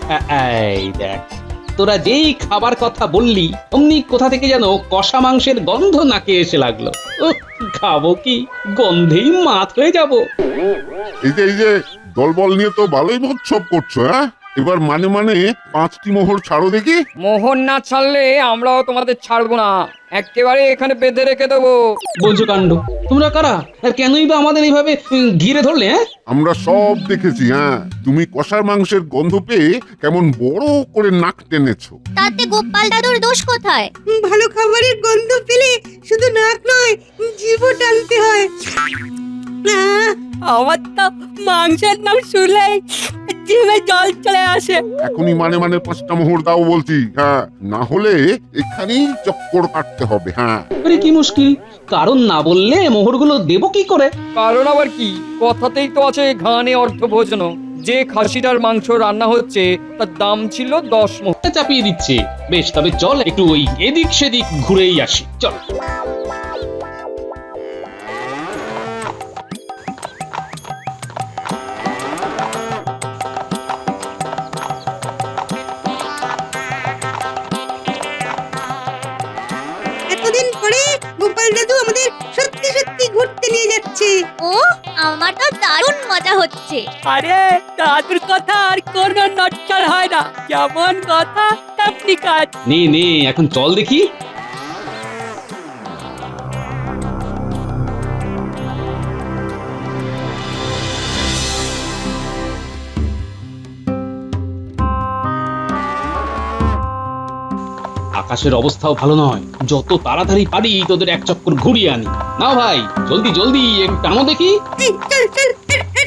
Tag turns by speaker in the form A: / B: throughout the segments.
A: এই দেখ, তোরা যেই খাবার কথা বললি অমনি কোথা থেকে যেন কষা মাংসের গন্ধ নাকে এসে লাগলো। উহ, খাবো কি, গন্ধেই মাত হয়ে যাব।
B: এই যে দলবল নিয়ে তো ভালোই মহোৎসব করছো, হ্যাঁ? এবার মানে 5টি মোহর ছাড়ো দেখি।
C: মোহন না ছাড়লে আমরাও তোমাদের ছাড়বো না, একেবারে এখানে বেঁধে রেখে দেবো।
A: বলছো কাণ্ড, তোমরা কারা আর কেনই বা আমাদের এইভাবে ঘিরে ধরলে? হ্যাঁ,
B: আমরা সব দেখেছি, হ্যাঁ। তুমি কষার মাংসের গন্ধ পেয়ে কেমন বড় করে নাক টেনেছো।
D: তাতে গোপাল দাদুর দোষ কোথায়?
E: ভালো খাবারের গন্ধ পেলে শুধু নাক নয়, জিভও টানতে হয়।
F: আমার তো মাংসের নাম শুনলেই জিভে জল চলে আসে।
B: এখনই মানে 5টা মোহর দাও বলছি, হ্যাঁ। না হলে এখানেই চক্কর কাটতে হবে, হ্যাঁ।
A: আরে কি মুশকিল, কারণ না বললে মোহরগুলো দেবো কি করে?
C: কারণ আবার কি, কথাতেই তো আছে ঘানে অর্থ ভোজন। যে খাসিটার মাংস রান্না হচ্ছে তার দাম ছিল 10 মোহর।
A: চাপিয়ে দিচ্ছে। বেশ, তবে চল একটু ওই এদিক সেদিক ঘুরেই আসি, চল।
E: এতদিন পরে গোপাল দাদু আমাদের সত্যি সত্যি ঘুরতে নিয়ে যাচ্ছে।
D: ও, আমার তো দারুণ মজা হচ্ছে।
F: আরে দাদুর কথা আর কোনো নটচল হয় না, যেমন কথা তেমনি কাজ।
A: নে নে, এখন চল দেখি। আকাশের অবস্থাও ভালো নয়, যত তাড়াতাড়ি পারি তোদের এক চক্কর ঘুরিয়ে আনি। নাও ভাই, জলদি জলদি একটু টানো দেখি।
E: এই, চল চল, হেট, হেট।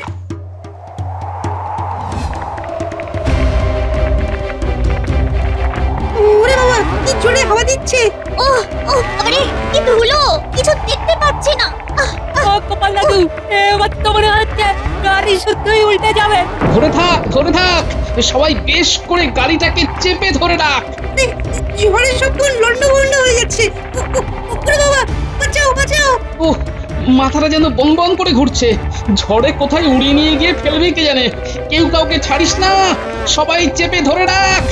E: ওরে বাবা, কি জোরে হাওয়া দিচ্ছে।
D: ও ও, আরে কি ধুলো, কিছু দেখতে পাচ্ছি না।
F: ও গোপাল দাদু, এবার তো মনে হচ্ছে গাড়ি শুদ্ধই উল্টে যাবে।
A: ধরে থাক, ধরে থাক, সবাই বেশ করে গাড়িটাকে চেপে ধরে রাখ।
E: এই, ঝড়ে সব লন্ডভন্ড হয়ে যাচ্ছে। ওরে বাবা, বাঁচাও বাঁচাও।
A: ও, মাথাটা যেন বন বন করে ঘুরছে। ঝড়ে কোথায় উড়িয়ে নিয়ে গিয়ে ফেলবে কে জানে। কেউ কাউকে ছাড়িস না, সবাই চেপে ধরে রাখ।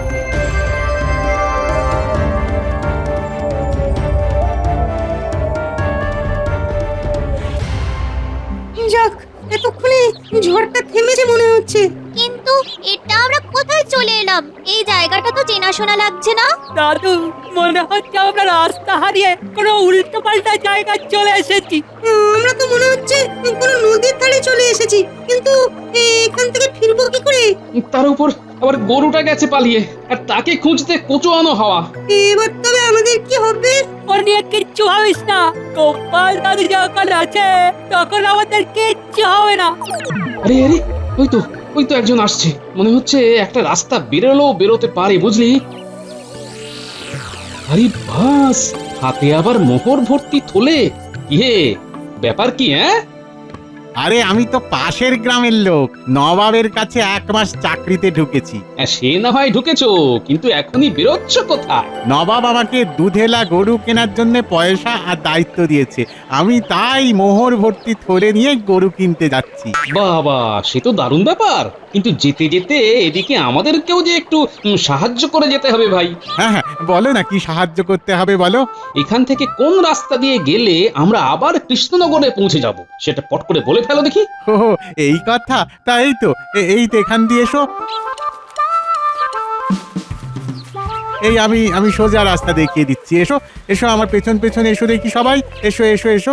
E: যাক, এতক্ষণে ঝড়টা থেমেছে মনে হচ্ছে।
D: কিন্তু এটা আমরা কোথায় চলে এলাম? এই জায়গাটা তো চেনাশোনা লাগছে না।
F: দাদু, মনে হচ্ছে আমরা রাস্তা হারিয়ে কোনো উল্টো পাল্টা জায়গায় চলে এসেছি।
E: আমরা তো মনে হচ্ছে কোনো নদীর ধারে চলে এসেছি, কিন্তু এখান থেকে ফিরবো কি করে?
A: তার উপর আবার গরুটা গেছে পালিয়ে, আর তাকে খুঁজতে কোচোয়ানো হাওয়া।
E: এবার তবে আমাদের কি হবে?
F: ওর নিয়ে কিচ্ছু ভাবিস না, গোপাল দাদু যখন আছে তখন আমাদের কিচ্ছু হবে না।
A: আরে আরে, ওই তো একজন আসছে। মনে হচ্ছে একটা রাস্তা বেরোতে পারে, বুঝলি? আরে বাস, হাতে আবার মোহর ভর্তি থলে। ইয়ে, ব্যাপার কি? হ্যাঁ,
G: আরে আমি তো পাশের গ্রামের লোক, নবাবের কাছে 1 মাস চাকরিতে ঢুকেছি।
A: সে না হয় ঢুকেছো, কিন্তু এখনই বেরোচ্ছ কোথায়?
G: নবাব আমাকে দুধেলা গরু কেনার জন্য পয়সা আর দায়িত্ব দিয়েছে, আমি তাই মোহর ভর্তি থলে নিয়ে গরু কিনতে যাচ্ছি।
A: বাবা, সে তো দারুণ ব্যাপার, কিন্তু যেতে যেতে এদিকে আমাদেরকেও যে একটু সাহায্য করে যেতে হবে ভাই।
G: হ্যাঁ হ্যাঁ, বলো না কি সাহায্য করতে হবে বলো।
A: এখান থেকে কোন রাস্তা দিয়ে গেলে আমরা আবার কৃষ্ণনগরে পৌঁছে যাব, সেটা পট করে বলে ফেলো দেখি।
G: ও, এই কথা, তাই তো এই তো এখান দিয়ে এসো। এই আমি সোজা রাস্তা দেখিয়ে দিচ্ছি, এসো এসো আমার পেছন পেছন এসো দেখি সবাই, এসো এসো এসো।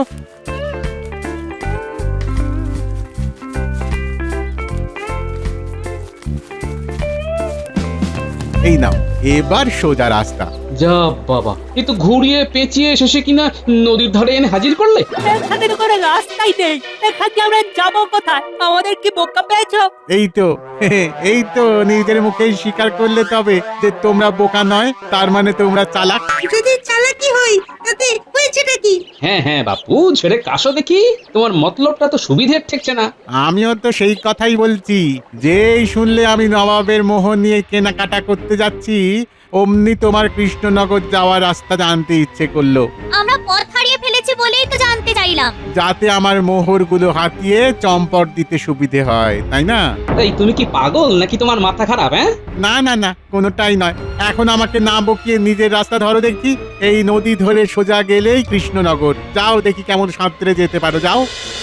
G: এই নাও, এবার সোজা রাস্তা।
A: যা বাবা, এ তো ঘুরিয়ে পেঁচিয়ে শেষে কিনা নদীর ধারে এনে হাজির করলে।
F: এখানে তো কোনো রাস্তাই নেই, এখানে আমরা যাবো কোথায়? আমাদের কি বোকা পেয়েছো?
G: এই তো এই তো নিজের মুখেই স্বীকার করলে তবে যে তোমরা বোকা নয়, তার মানে তোমরা চালাক।
E: যদি চালাকি হয় তাতে হয়েছেটা কি?
A: হ্যাঁ হ্যাঁ বাপু, ছেড়ে কাশো দেখি, তোমার মতলবটা তো সুবিধের ঠেকছে না।
G: আমিও তো সেই কথাই বলছি, যেই শুনলে আমি নবাবের মোহর নিয়ে কেনাকাটা করতে যাচ্ছি অমনি তোমার কৃষ্ণনগর যাওয়ার রাস্তা জানতে ইচ্ছে করলো,
D: আমরা পথ হারিয়ে ফেলেছি বলেই তো জানতে চাইলাম।
G: যাতে আমার মোহরগুলো হাতিয়ে চম্পট দিতে সুবিধে হয়, তাই না?
A: এই তুমি কি পাগল নাকি তোমার মাথা খারাপ? হ্যাঁ,
G: না না না, কোনোটাই নয়। এখন আমাকে না বকিয়ে নিজের রাস্তা ধরো দেখি। এই নদী ধরে সোজা গেলেই কৃষ্ণনগর। যাও দেখি কেমন সাঁতরে যেতে পারো, যাও।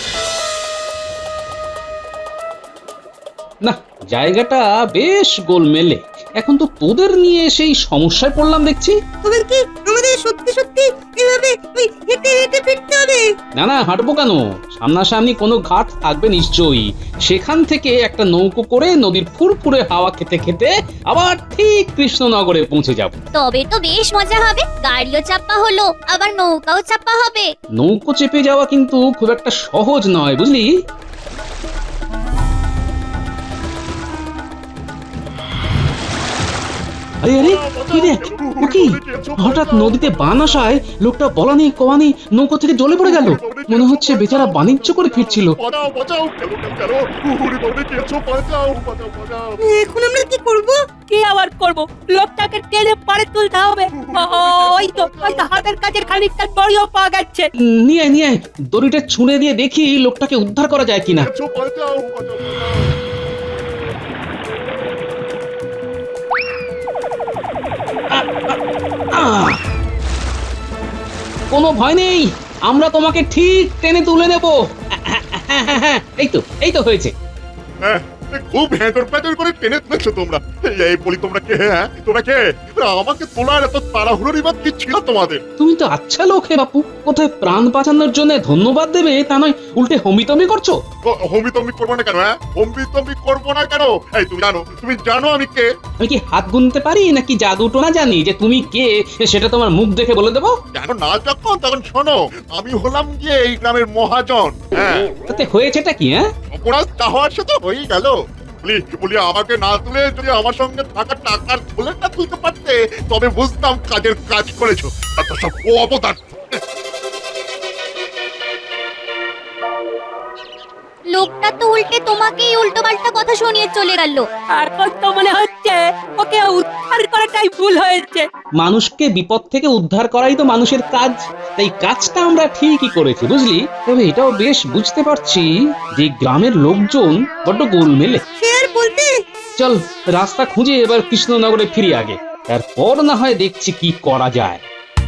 A: না, জায়গাটা বেশ গোলমেলে। এখন তো তোদের নিয়ে সেই সমস্যায় পড়লাম দেখছি।
E: তবে কি আমাদের সত্যি সত্যি এভাবে ওই হেঁটে হেঁটে ফিরতে হবে?
A: না না, হাঁটবো কেন? সামনাসামনি কোনো ঘাট থাকবে নিশ্চয়ই। সেখান থেকে একটা নৌকো করে নদীর ফুরফুরে হাওয়া খেতে খেতে আবার ঠিক কৃষ্ণনগরে পৌঁছে যাব।
D: তবে তো বেশ মজা হবে, গাড়িও চাপা হলো আবার নৌকাও চাপা হবে।
A: নৌকো চেপে যাওয়া কিন্তু খুব একটা সহজ নয়, বুঝলি? আরে আরে, কি দেখ, ও কি হঠাৎ নদীতে বান আসায় লোকটা বলা নেই কওয়া নেই নৌকো থেকে জলে পড়ে গেল। মনে হচ্ছে বেচারা বাণিজ্য করে ফিরছিল।
E: এখন আমরা কি করব?
F: কি আবার করব? লোকটাকে টেনে পারে তুলতে হবে। ওই তো হাতের কাছে খানিকটা দড়িও পাওয়া গেছে।
A: নিয়ে আয়, নিয়ে আয়, দড়িটা ছুঁড়ে দিয়ে দেখি লোকটাকে উদ্ধার করা যায় কিনা। আহ! কোনো ভয় নেই, আমরা তোমাকে ঠিক টেনে তুলে নেব। এই তো হয়েছে।
B: খুব হ্যাঁটর প্যাটর করে টেনে তুলেছো তোমরা। এই বলি, তোমরা কে? হ্যাঁ, তোমরা কে? আমাকে তোলার এত তাড়াহুড়োর বাদ কি ছিল তোমাদের?
A: তুমি তো আচ্ছা লোক হে বাপু, কোথায় প্রাণ বাঁচানোর জন্য ধন্যবাদ দেবে তা নয় উল্টে হমিতমি করছো।
B: হমিতমি করবো না কেন? হ্যাঁ, হমিতমি করবো না কেন? এই তুমি জানো আমি কে?
A: আমি কি হাত গুনতে পারি নাকি জাদু টোনা জানি যে তুমি কে সেটা তোমার মুখ দেখে বলে দেবো?
B: জানো না যখন, তখন শোনো, আমি হলাম গিয়ে এই গ্রামের মহাজন। হ্যাঁ,
A: তাতে হয়েছেটা কি? হ্যাঁ,
B: অপরাধ তা হওয়ার সাথে হয়েই গেল। বলি আমাকে না তুলে যদি আমার সঙ্গে থাকা টাকার থলেটা তুলতে পারতে, তবে বুঝতাম কাজের কাজ করেছো। এত সব অবদান।
D: লোকটা তো উল্টে তোমাকেই উল্টো পাল্টা কথা শুনিয়ে চলে গেল।
F: এখন তো মনে হচ্ছে ওকে উদ্ধার করাটাই ভুল হয়েছে।
A: মানুষকে বিপদ থেকে উদ্ধার করাই তো মানুষের কাজ, তাই কাজটা আমরা ঠিকই করেছি, বুঝলি? তবে এটাও বেশ বুঝতে পারছি যে গ্রামের লোকজন বড্ড গোলমেলে।
E: সে আর বলতে।
A: চল রাস্তা খুঁজে এবার কৃষ্ণনগরে ফিরি আগে, তারপর না হয় দেখছি কি করা যায়।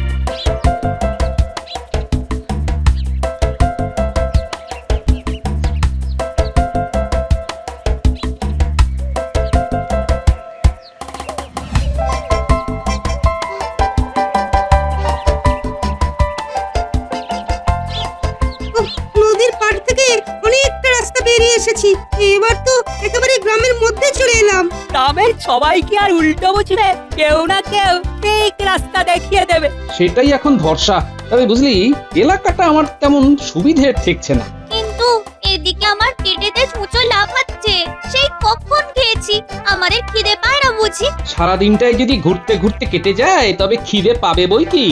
E: নদীর পাড় থেকে অনেকটা রাস্তা বেরিয়ে এসেছি। এবার তো একেবারে গ্রামের মধ্যে চলে এলাম।
F: গ্রামের সবাই কি আর উল্টো বুঝবে? কেউ না কেউ ঠিক রাস্তা দেখিয়ে দেবে।
A: সেটাই এখন ভরসা। তবে বুঝলি, এলাকাটা আমার তেমন সুবিধে ঠেকছে না।
D: কিন্তু এদিকে আমার পেটেতে ছুঁচো লাফাচ্ছে, সেই কখন খেয়েছি, আমাদের খিদে পায় না বুঝি?
A: সারাদিনটাই যদি ঘুরতে ঘুরতে কেটে যায় তবে খিদে পাবে বই কি।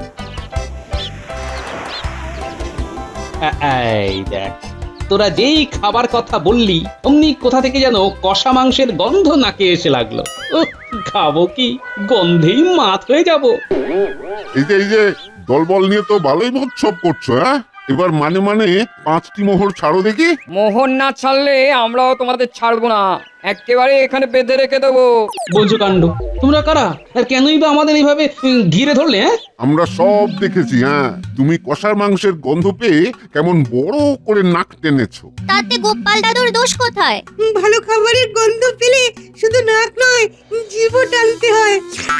A: এই দেখ, তোরা যেই খাবার কথা বললি অমনি কোথা থেকে যেন কষা মাংসের গন্ধ নাকে এসে লাগলো। খাবো কি, গন্ধেই মাত হয়ে যাব।
B: এই যে দলবল নিয়ে তো ভালোই মহোৎসব করছো। হ্যাঁ, এবার মানে 5টি মোহর ছাড়ো দেখি।
C: মোহন না ছাড়লে আমরাও তোমাদের ছাড়বো না, একেবারে এখানে বেঁধে রেখে দেবো।
A: বলছো কাণ্ড, তোমরা কারা আর কেনই বা আমাদের এইভাবে ঘিরে ধরলে? হ্যাঁ,
B: আমরা সব দেখেছি। হ্যাঁ, তুমি কষার মাংসের গন্ধ পেয়ে কেমন বড় করে নাক টেনেছো।
D: তাতে গোপাল দাদুর দোষ কোথায়?
E: ভালো খাবারের গন্ধ পেলে শুধু নাক নয়, জিভও টানতে হয়।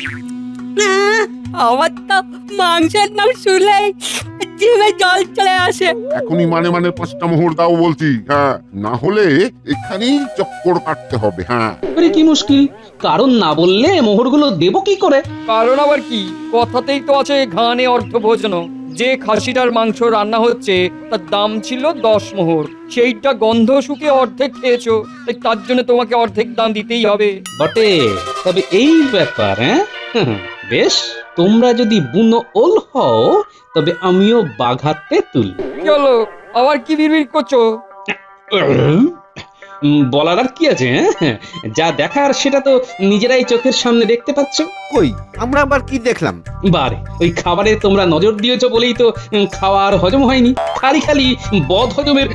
F: আমার তো মাংসের নাম শুনলে জিভে জল চলে আসে।
B: এখনই মানে 5টা মোহর দাও বলছি। হ্যাঁ, না হলে এখানেই চক্কর কাটতে হবে। হ্যাঁ,
A: আরে কি মুশকিল, কারণ না বললে মোহরগুলো দেবো কি করে?
C: কারণ আবার কি, কথাতেই তো আছে ঘানে অর্থভোজন। যে খাসিটার মাংস রান্না হচ্ছে তার দাম ছিল 10 মোহর, সেইটা গন্ধ শুকে অর্ধেক খেয়েছো, তাই তার জন্য তোমাকে অর্ধেক দাম দিতেই হবে।
A: বটে, তবে এই ব্যাপার। হ্যাঁ, বেশ, তোমরা যদি বুনো ওল হও তবে আমিও বাঘাতে তুল।
C: কি হলো, আবার কি বিড়বিড় করছো?
A: বলার আর কি আছে? হ্যাঁ, যা দেখার সেটা তো নিজেরাই চোখের সামনে দেখতে পাচ্ছ।
H: কই আমরা আবার কি দেখলাম?
A: বারে ওই খাবারে তোমরা নজর দিয়েছো বলেই তো খাওয়ার হজম হয়নি, খালি খালি বদ হজমের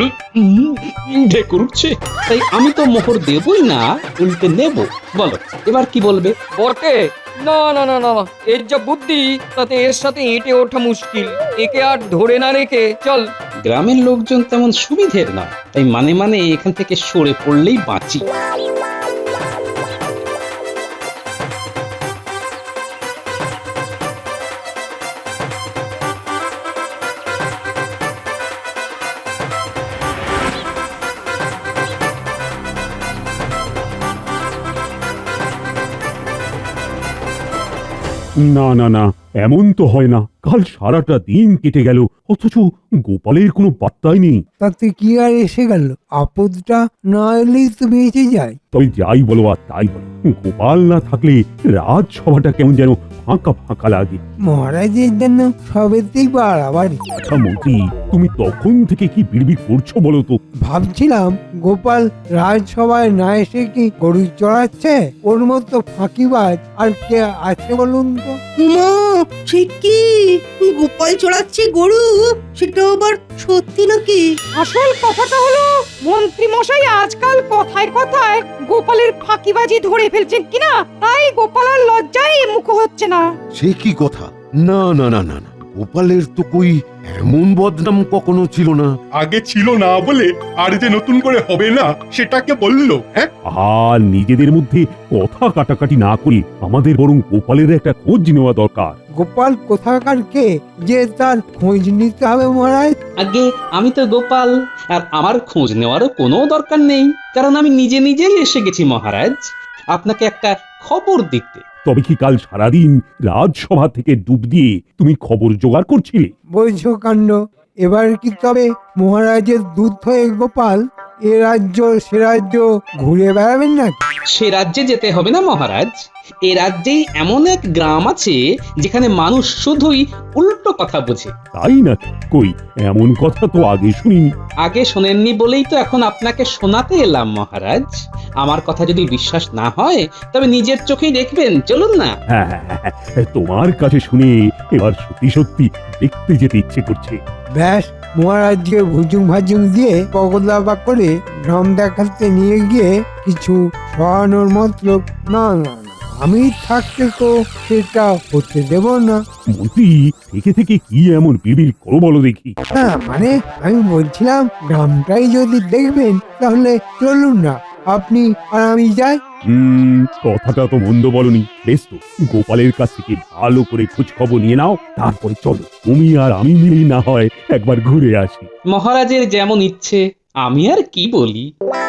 A: ঢেকুর উঠছে। তাই আমি তো মোহর দেবই না, উল্টে নেব। বলো এবার কি বলবে?
C: বটে, না না না না না, এর যা বুদ্ধি তাতে এর সাথে এঁটে ওঠা মুশকিল। একে আর ধরে না রেখে চল।
A: গ্রামের লোকজন তেমন সুবিধের না, তাই মানে মানে এখান থেকে সরে পড়লেই বাঁচি।
I: না না না, এমন তো হয় না। কাল সারাটা দিন কেটে গেল, অথচ গোপালের কোনো বার্তাই নেই।
J: তাতে কি আর এসে গেল? আপদটা না এলেই তো বেঁচে যায়।
I: তবে যাই বলো আর তাই বলো, গোপাল না থাকলে রাজসভাটা কেমন যেন ফাঁকা ফাঁকা লাগে।
J: মহারাজের জন্য সবেতেই বাড়াবাড়ি।
I: আচ্ছা মন্ত্রী, তুমি তখন থেকে কি বিড়বিড় করছো বলো তো?
J: ভাবছিলাম গোপাল রাজসভায় না এসে কি গরু চড়াচ্ছে? ওর মতো ফাঁকিবাজ আর কে আছে বলুন তো?
E: উমা, সে কি গোপাল চড়াচ্ছে গরু? সেটা আবার সত্যি নাকি?
F: আসল কথাটা হলো মন্ত্রী মশাই আজকাল কথায় কথায় গোপালের ফাঁকিবাজি ধরে ফেলছেন কিনা, তাই গোপাল আর লজ্জায় মুখ হচ্ছে না।
H: সে কি কথা? না না না না না, গোপালের তো কই এমন বদনাম কখনো ছিল না।
B: আগে ছিল না বলে আর যে নতুন করে হবে না সেটাকে বললো। হ্যাঁ,
I: আর নিজেদের মধ্যে কথা কাটাকাটি না করে আমাদের বরং গোপালের একটা খোঁজ নেওয়া দরকার।
J: গোপাল কোথাকার কে যে তার খোঁজ নিতে হবে মহারাজ?
A: আগে আমি তো গোপাল, আর আমার খোঁজ নেওয়ারও কোনো দরকার নেই, কারণ আমি নিজে নিজেই এসে গেছি মহারাজ আপনাকে একটা খবর দিতে।
I: তবে কি কাল সারাদিন রাজসভা থেকে ডুব দিয়ে তুমি খবর জোগাড় করছিলে?
J: বৈঝ কাণ্ড। এবার কি তবে মহারাজের দুধ হয়ে গোপাল এ রাজ্য সে রাজ্য ঘুরে বেড়াবেন নাকি?
A: সে রাজ্যে যেতে হবে না মহারাজ, এ রাজ্যেই এমন এক গ্রাম আছে যেখানে মানুষ শুধুই উল্টো কথা বোঝে।
I: তাই না? কই এমন কথা তো আগে শুনিনি।
A: আগে শোনেননি বলেই তো এখন আপনাকে শোনাতে এলাম মহারাজ। আমার কথা যদি বিশ্বাস না হয় তবে নিজের চোখেই দেখবেন, চলুন না।
I: হ্যাঁ হ্যাঁ হ্যাঁ, তোমার কাছে শুনে এবার সত্যি সত্যি দেখতে যেতে ইচ্ছে করছে।
J: ব্যাস, মহারাজকে ভুজুং ভাজুং দিয়ে পগলা করে গ্রাম দেখাতে নিয়ে গিয়ে কিছু সরানোর মতলব। না না না, আমি থাকতে তো সেটা হতে দেব না।
I: মন্ত্রী থেকে থেকে কি এমন বিড়বিড় করো বলো দেখি?
J: হ্যাঁ মানে আমি বলছিলাম গ্রামটাই যদি দেখবেন তাহলে চলুন না, আপনি আর আমি যাই।
I: কথাটা তো মন্দ বলনি। বেশ তো, গোপালের কাছ থেকে ভালো করে খোঁজ খবর নিয়ে নাও, তারপরে চলো তুমি আর আমি মিলেই না হয় একবার ঘুরে আসি।
A: মহারাজের যেমন ইচ্ছে, আমি আর কি বলি।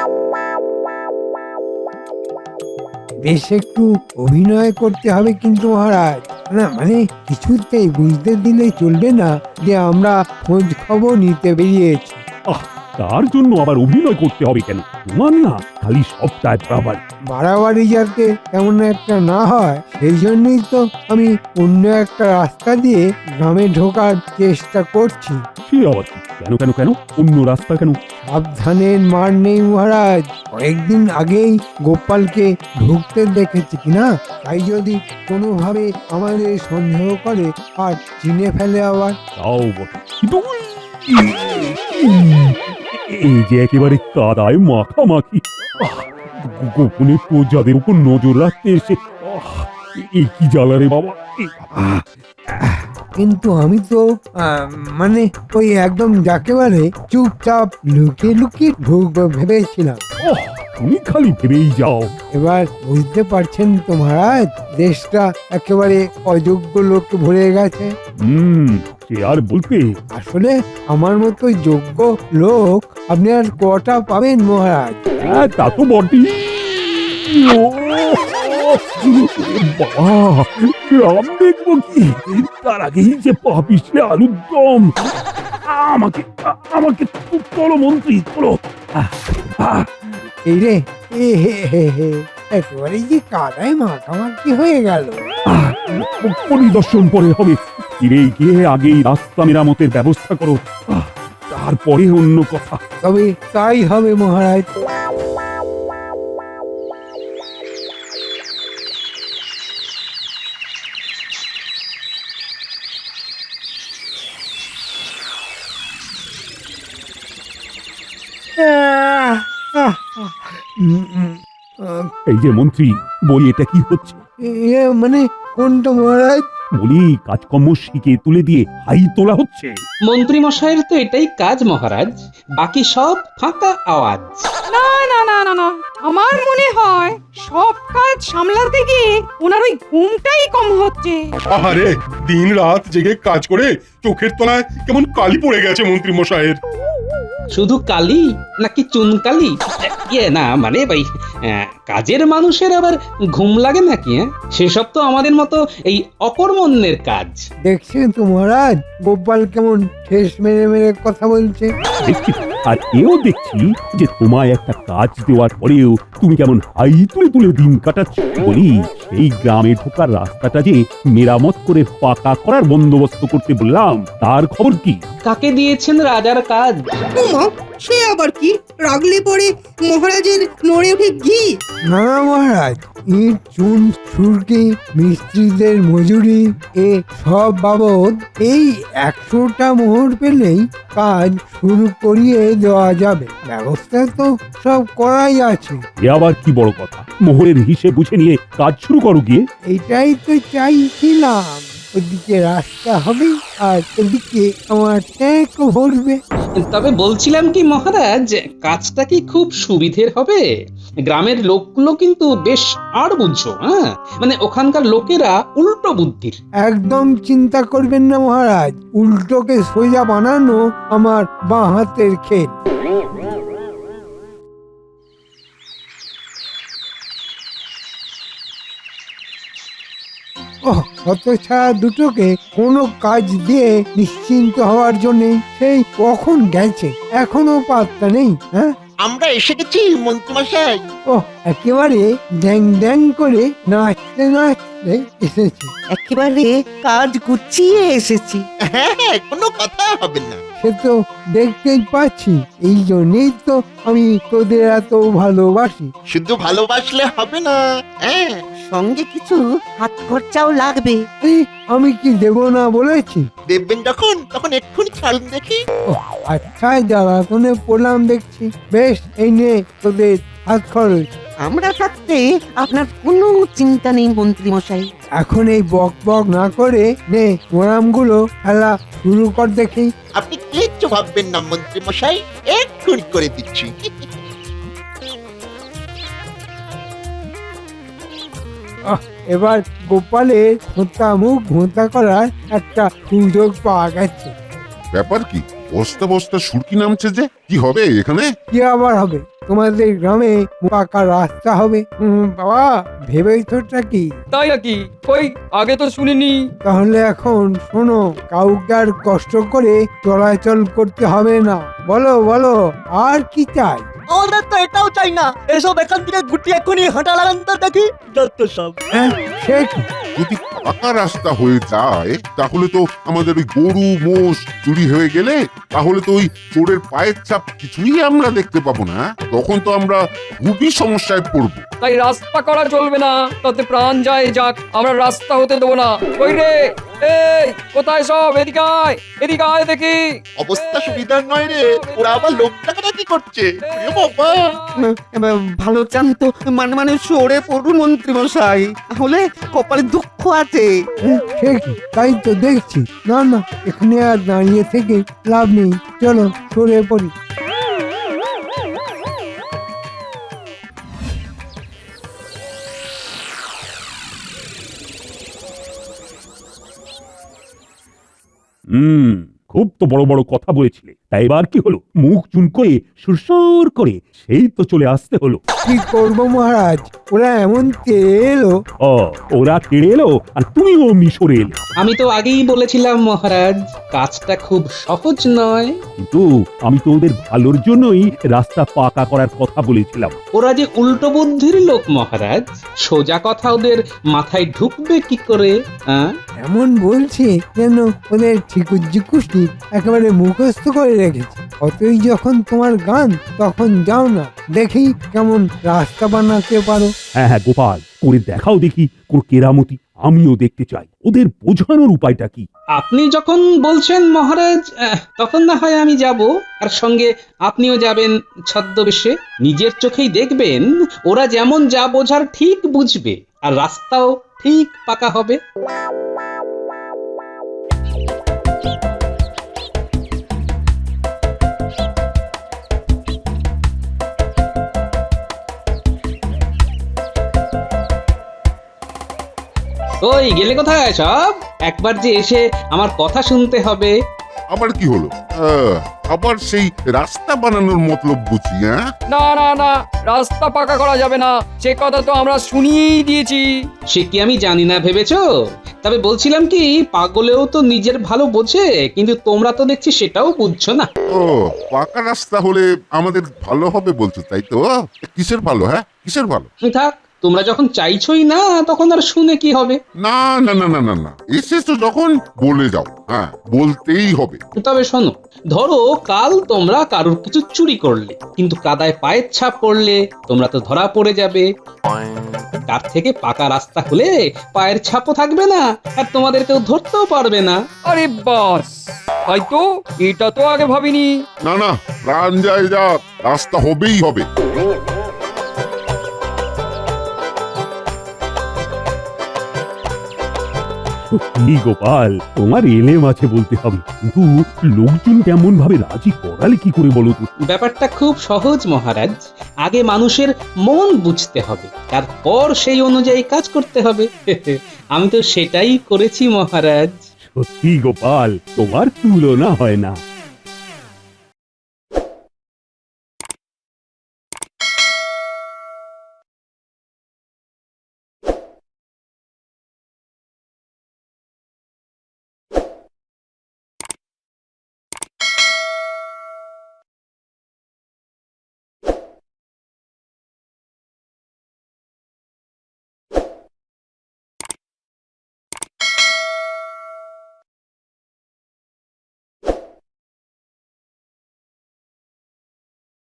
J: বেশ একটু অভিনয় করতে হবে কিন্তু মহারাজ। না মানে কিছুতেই বুঝতে দিলে চলবে না যে আমরা খোঁজ খবর নিতে বেরিয়েছি।
I: তার জন্য আবার অভিনয় করতে হবে কেন? তোমার না খালি সবটাই বাড়াবাড়ি।
J: বাড়াবাড়ি যাতে এমন একটা না হয় সেই জন্যই তো আমি অন্য একটা রাস্তা দিয়ে গ্রামে ঢোকার চেষ্টা করছি।
I: সে আবার কি? কেন কেন কেন অন্য রাস্তা কেন?
J: সাবধানের মার নেই মহারাজ। কয়েকদিন আগেই গোপালকে ঢুকতে দেখেছি কিনা, তাই যদি কোনোভাবে আমাদের সন্দেহ করে আর চিনে ফেলে আবার।
I: তাও বটে, কিন্তু এই যে একেবারে কাদায় মাখামাখি। গোপনে প্রজাদের উপর নজর রাখতে এসে এই কি জ্বালারে বাবা।
J: কিন্তু আমি তো মানে ওই একদম যাকেবারে চুপচাপ লুকিয়ে লুকিয়ে ঢুকবো ভেবেছিলাম।
I: তুমি খালি ভেবেই যাও।
J: এবার বুঝতে পারছেন তো মহারাজ, দেশটা একেবারে অযোগ্য লোক ভরে গেছে।
I: সে আর বলতে।
J: আসলে আমার মতো যোগ্য লোক আপনি আর কটা পাবেন মহারাজ?
I: হ্যাঁ তা তো বটেই। বাবা, গ্রাম দেখবো কি, তার আগেই যে পাপিসে আলুর দম। আমাকে আমাকে চলো মন্ত্রী, চলো।
J: এই রে, এ হে হে হে, একেবারে যে কাদায় মাখামাখি হয়ে গেল।
I: পরিদর্শন পরে হবে, ফিরে গিয়ে আগেই রাস্তা মেরামতের ব্যবস্থা করো, তারপরে অন্য কথা।
J: তবে তাই হবে মহারাজ।
I: এই যে মন্ত্রী, বলি এটা কি হচ্ছে?
J: মানে কোনটা মহারাজ?
I: বলি কাজকর্ম শিখে তুলে দিয়ে হাই তোলা হচ্ছে।
A: মন্ত্রী মশাইয়ের তো এটাই কাজ মহারাজ, বাকি সব ফাঁকা আওয়াজ।
F: না না না না না, আমার মনে হয় সব কাজ সামলাতে গিয়ে ওনার ওই ঘুমটাই কম হচ্ছে।
K: আরে দিন রাত জেগে কাজ করে চোখের তলায় কেমন কালি পড়ে গেছে মন্ত্রী মশাইয়ের।
A: শুধু কালি নাকি চুনকালি? ইয়ে না মানে ভাই, কাজের মানুষের আবার ঘুম লাগে নাকি? সেসব তো আমাদের মতো এই অকর্মণ্যের কাজ।
J: দেখছেন তো মহারাজ, গোপাল কেমন ঠেস মেরে মেরে কথা বলছে।
I: দেখছি, আর এও দেখছি যে তোমায় একটা কাজ দেওয়ার পরেও তুমি কেমন হাই তুলে তুলে দিন কাটাচ্ছ। বলি এই গ্রামে ঢোকার রাস্তাটা যে মেরামত করে পাকা করার বন্দোবস্ত করতে বললাম, তার খবর কি?
A: কাকে দিয়েছেন রাজার কাজ?
E: উমা, সে আবার কি? রাগলে পরে মহারাজের নড়ে ওঠে ঘি।
J: না মহারাজ, ইট চুন সুরকি মিস্ত্রিদের মজুরি এ সব বাবদ এই 100টা মোহর পেলেই কাজ শুরু করিয়ে দেওয়া যাবে। ব্যবস্থা তো সব করাই আছে।
I: এ আবার কি বড় কথা? মোহরের হিসেব বুঝে নিয়ে কাজ শুরু করো গিয়ে।
J: এটাই তো চাইছিলাম। ওদিকে রাস্তা হবে আর এদিকে আমার ট্যাঙ্কও ভরবে।
A: তবে বলছিলাম কি মহারাজ, কাজটা কি খুব সুবিধের হবে? গ্রামের লোকগুলো কিন্তু বেশ আর বুঝছো, মানে ওখানকার লোকেরা উল্টো বুদ্ধির।
J: একদম চিন্তা করবেন না মহারাজ, উল্টোকে সোজা বানানো আমার বাঁ হাতের খেল। হতছাড়া দুটোকে কোনো কাজ দিয়ে নিশ্চিন্ত হওয়ার জন্য সেই কখন গেছে, এখনো পাত্তা নেই। হ্যাঁ,
B: আমরা এসে গেছি মন্ত্রীমশাই।
J: একেবারে ড্যাং ড্যাং করে নাচতে নাচতে এসেছে।
L: একেবারে কাজ গুছিয়ে এসেছি।
B: হ্যাঁ, কোনো কথা হবে না।
J: সে তো দেখতেই পাচ্ছি, এই জন্যই তো আমি তোদের এত ভালোবাসি।
B: শুধু ভালোবাসলে হবে না, হ্যাঁ,
L: সঙ্গে কিছু হাত খরচাও লাগবে।
J: আমি কি দেব না বলেছি?
B: দেখবেন যখন তখন এক্ষুনি ছাড়ুন দেখি।
J: আচ্ছা, জ্বালাতনে পড়লাম দেখছি। বেশ, এই নে তোদের হাত খরচ।
L: আমরা থাকতে আপনার কোনো চিন্তা নেই মন্ত্রী মশাই।
J: এখন এই বক বক না করে নে মোরামগুলো খেলা শুরু কর দেখি।
B: আপনি কিচ্ছু ভাববেন না মন্ত্রীমশাই, এক্ষুনি করে দিচ্ছি।
J: এবার গোপালের ঘোঁতা মুখ ঘোঁতা করার একটা সুযোগ পাওয়া গেছে।
K: ব্যাপার কি? বস্তা বস্তা সুরকি নামছে যে, কি হবে এখানে?
J: কি আবার হবে? তোমাদের গ্রামে পাকা রাস্তা হবে। বাবা, ভেবেছোটা কি?
C: তাই নাকি? কই আগে তো শুনিনি।
J: তাহলে এখন শোনো, কাউকে আর কষ্ট করে চলাচল করতে হবে না। বলো বলো, আর কি চাই?
L: আমাদের তো এটাও চাই না। এসব এখান থেকে গুটিয়ে এক্ষুনি হাঁটা লাগান তো দেখি, যত সব।
J: হ্যাঁ, সে কি?
K: যদি পাকা রাস্তা হয়ে যায় তাহলে তো আমাদের ওই গরু মোষ চুরি হয়ে গেলে তাহলে তো ওই চোরের পায়ের ছাপ কিছুই আমরা দেখতে পাবো না। তখন তো আমরা খুবই সমস্যায় পড়বো।
C: তাই রাস্তা করা চলবে না, তাতে প্রাণ যায় যাক, আমরা রাস্তা হতে দেবো না। কই রে, এই কোথায় সব? এদিকে আয়, এদিকে আয় দেখি।
B: অবস্থা সুবিধার নয় রে, ওরা আবার লোকটাকে কি করছে? এ বাবা,
L: ভালো চান তো মানে সরে পড়ুন মন্ত্রী মশাই, তাহলে কপালে দুঃখ আছে।
J: সে কি? তাই তো দেখছি। না না, এখানে আর দাঁড়িয়ে থেকে লাভ নেই, চলো সরে পড়ি।
I: খুব তো বড় বড় কথা বলেছিলে, তাই এবার কি হলো? মুখ চুন করে সুরসুর করে সেই তো চলে আসতে হলো।
J: কি করবো মহারাজ, ওরা এমন তেড়ে এলো।
I: ওরা তেড়ে এলো আর তুমিও মিশরে এলে।
A: আমি তো আগেই বলেছিলাম মহারাজ, কাজটা খুব সহজ নয়।
I: কিন্তু আমি তো ওদের ভালোর জন্যই রাস্তা পাকা করার কথা বলেছিলাম।
A: ওরা যে উল্টো বুদ্ধির লোক মহারাজ, সোজা কথা ওদের মাথায় ঢুকবে কি করে?
J: এমন বলছে যেন ওদের ঠিকুজি একেবারে মুখস্থ করে রেখেছে। অতই যখন তোমার গান, তখন যাও না, দেখি কেমন রাস্তা বানাতে পারো।
I: হ্যাঁ হ্যাঁ গোপাল, করে দেখাও দেখি কোন কেরামতি। আমিও দেখতে চাই ওদের বোঝানোর উপায়টা কি।
A: আপনি যখন বলছেন মহারাজ, তখন না হয় আমি যাব, আর সঙ্গে আপনিও যাবেন ছদ্মবেশে। নিজের চোখেই দেখবেন ওরা যেমন যা বোঝার ঠিক বুঝবে, আর রাস্তাও ঠিক পাকা হবে। ওই গেলে কোথায় সব? একবার যে এসে আমার কথা শুনতে হবে।
K: আবার কি হলো? আবার সেই রাস্তা বানানোর মতলব বুঝি? হ্যাঁ,
C: না না না, রাস্তা পাকা করা যাবে না, সে কথা তো আমরা শুনিয়েই দিয়েছি।
A: সে কি আমি জানি না ভেবেছো? তবে বলছিলাম কি, পাগলেও তো নিজের ভালো বোঝে, কিন্তু তোমরা তো দেখছি সেটাও বুঝছো না।
K: ও, পাকা রাস্তা হলে আমাদের ভালো হবে বলছো, তাই তো? কিসের ভালো? হ্যাঁ, কিসের ভালো?
A: থাক, তোমরা যখন চাইছোই না, তখন আর শুনে কি হবে?
K: না না না না না না, এসেছো যখন বলে যাও। হ্যাঁ, বলতেই হবে।
A: তবে শোনো, ধরো কাল তোমরা কারোর কিছু চুরি করলে, কিন্তু কাদায় পায়ের ছাপ পড়লে তোমরা তো ধরা পড়ে যাবে। তার থেকে পাকা রাস্তা হলে পায়ের ছাপও থাকবে না, আর তোমাদের কেউ ধরতেও পারবে না।
C: আরে বাস, হয়তো এটা তো আগে ভাবিনি।
K: না না, প্রাণ যায় যাক, রাস্তা হবেই হবে।
I: সত্যি গোপাল, তোমার এলেম আছে বলতে হবে, কিন্তু লোকজন কেমন ভাবে রাজি করালে কি করে বলো তো?
A: ব্যাপারটা খুব সহজ মহারাজ। আগে মানুষের মন বুঝতে হবে, তারপর সেই অনুযায়ী কাজ করতে হবে। আমি তো সেটাই করেছি মহারাজ।
I: সত্যি গোপাল, তোমার তুলনা হয় না।